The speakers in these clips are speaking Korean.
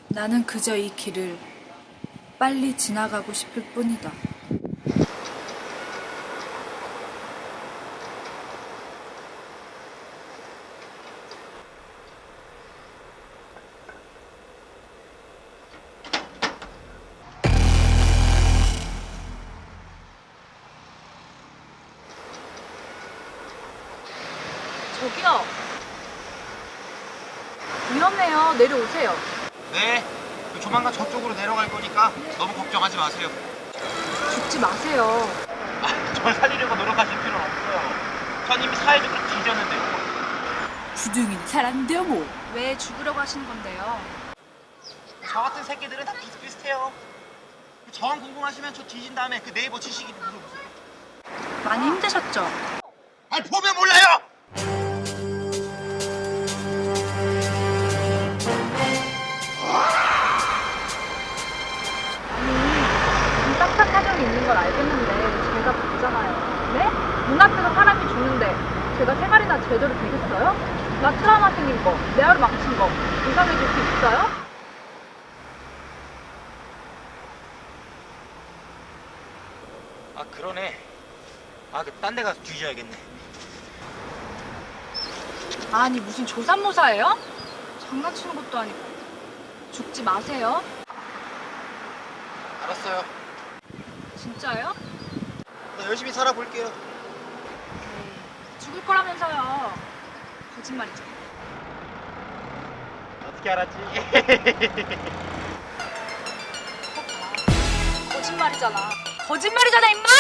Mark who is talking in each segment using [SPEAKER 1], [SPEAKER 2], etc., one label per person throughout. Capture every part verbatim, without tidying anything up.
[SPEAKER 1] 나는 그저 이 길을 빨리 지나가고 싶을 뿐이다.
[SPEAKER 2] 저기요. 위험해요. 내려오세요.
[SPEAKER 3] 네, 조만간 저쪽으로 내려갈 거니까 너무 걱정하지 마세요.
[SPEAKER 2] 죽지 마세요.
[SPEAKER 3] 아, 절 살리려고 노력하실 필요는 없어요. 전 이미 사회적으로 뒤졌는데요.
[SPEAKER 1] 구둥이는 사람인데요 뭐.
[SPEAKER 2] 왜 죽으려고 하시는 건데요?
[SPEAKER 3] 저 같은 새끼들은 다 비슷비슷해요. 저항 궁금하시면 저 뒤진 다음에 그 네이버 지식인 물어보세요.
[SPEAKER 2] 많이 힘드셨죠?
[SPEAKER 3] 아니 보면 몰라요!
[SPEAKER 2] 아니, 딱딱 사정이 있는 걸 알겠는데 제가 봤잖아요. 네? 눈앞에서 사람이 죽는데 제가 세 마리나 제대로 되겠어요? 나 트라우마 생긴 거, 내 하루 망친 거 보상해 줄 수 있어요?
[SPEAKER 3] 아 그러네. 아 그 딴 데 가서 뒤져야겠네.
[SPEAKER 2] 아니 무슨 조삼모사예요? 장난치는 것도 아니고. 죽지 마세요.
[SPEAKER 3] 알았어요.
[SPEAKER 2] 진짜요?
[SPEAKER 3] 나 열심히 살아볼게요.
[SPEAKER 2] 에이, 죽을 거라면서요. 거짓말이죠.
[SPEAKER 3] 어떻게 알았지?
[SPEAKER 2] 거짓말이잖아. 거짓말이잖아, 임마!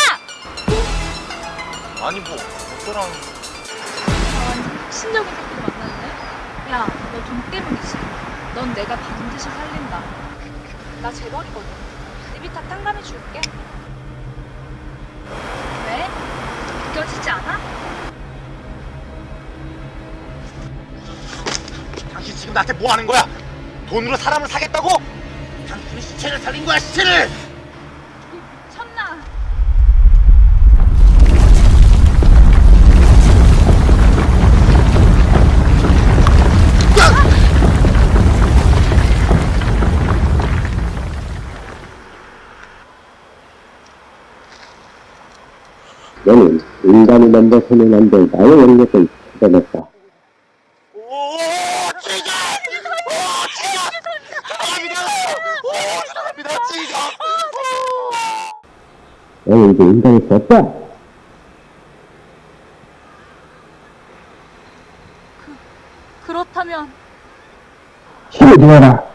[SPEAKER 3] 아니 뭐 어쩌라는.
[SPEAKER 2] 아, 완전 혁신적인 새끼를 만났네. 야, 너 돈 때문이지. 넌 내가 반드시 살린다. 나 재벌이거든. 리비타 탕감해 줄게. 왜? 느껴지지 않아?
[SPEAKER 3] 당신 지금 나한테 뭐 하는 거야? 돈으로 사람을 사겠다고? 당신은 시체를 살린 거야, 시체를!
[SPEAKER 2] 천나.
[SPEAKER 4] 너는 인간이 먼저 손을 만들 나의 영역을 찾아냈다.
[SPEAKER 3] 오, 지금! 오, 지금! 죄송합니다! 오, 죄송합니다, 지금!
[SPEAKER 4] 너는 이제 인간이 되었다.
[SPEAKER 2] 그렇다면
[SPEAKER 4] 힘을 주어라.